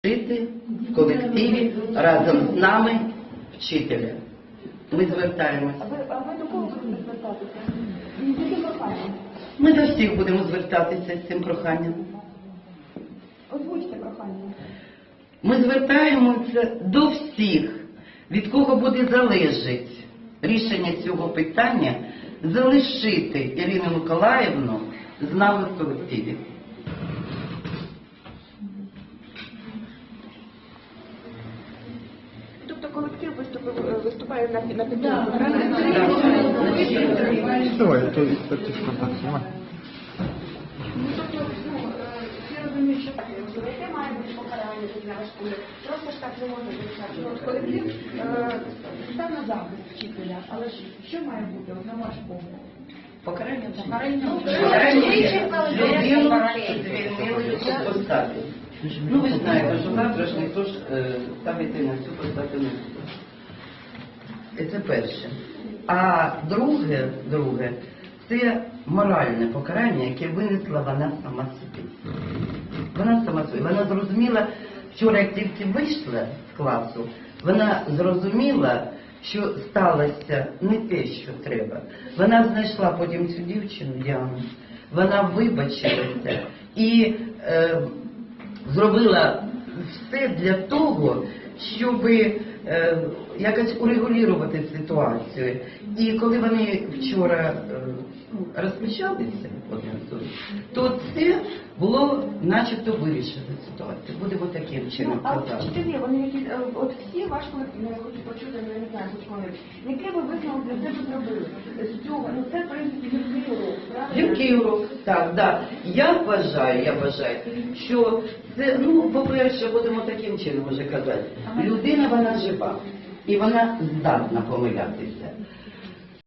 жити в колективі разом з нами вчителя. Ми звертаємося. А ви до кого будете звертатися? З яким проханням? Ми до всіх будемо звертатися з цим проханням. Озвучте прохання. Ми звертаємося до всіх, від кого буде залежати рішення цього питання, залишити Ірину Миколаївну з нами в колективі. Тобто колектив виступає на підтримку? Давай, то експертиз контакт знімай. Всі розуміють, що яке має бути покарання для школи. Просто ж так не можна вирішати. От колектив став на захист вчителя, але ж що має бути, от на ваш погляд? Покарання звільнили цю посаду. Ну, ви знаєте, що завтра ж ніхто ж ставити на цю посаду не буде. Це перше. А друге, це моральне покарання, яке винесла вона сама собі. Вона сама собі. Вона зрозуміла, вчора як тільки вийшла з класу, вона зрозуміла, що сталося не те, що треба. Вона знайшла потім цю дівчину, Діану, вона вибачилася і зробила все для того, щоб якось урегулювати ситуацію. І коли вони вчора розпочалися, то це було начебто вирішено ситуацію. Будемо таким чином А казати. вчителі, вони які, от всі ваш колектив, я хочу почути, я не знаю, хоч коли, який ви висновок для себе зробили з цього? Ну це, в принципі, гіркий урок, правда? Гіркий урок, так, да. Я вважаю, що це, ну, по-перше, будемо таким чином вже казати. Людина, вона жива, і вона здатна помилятися.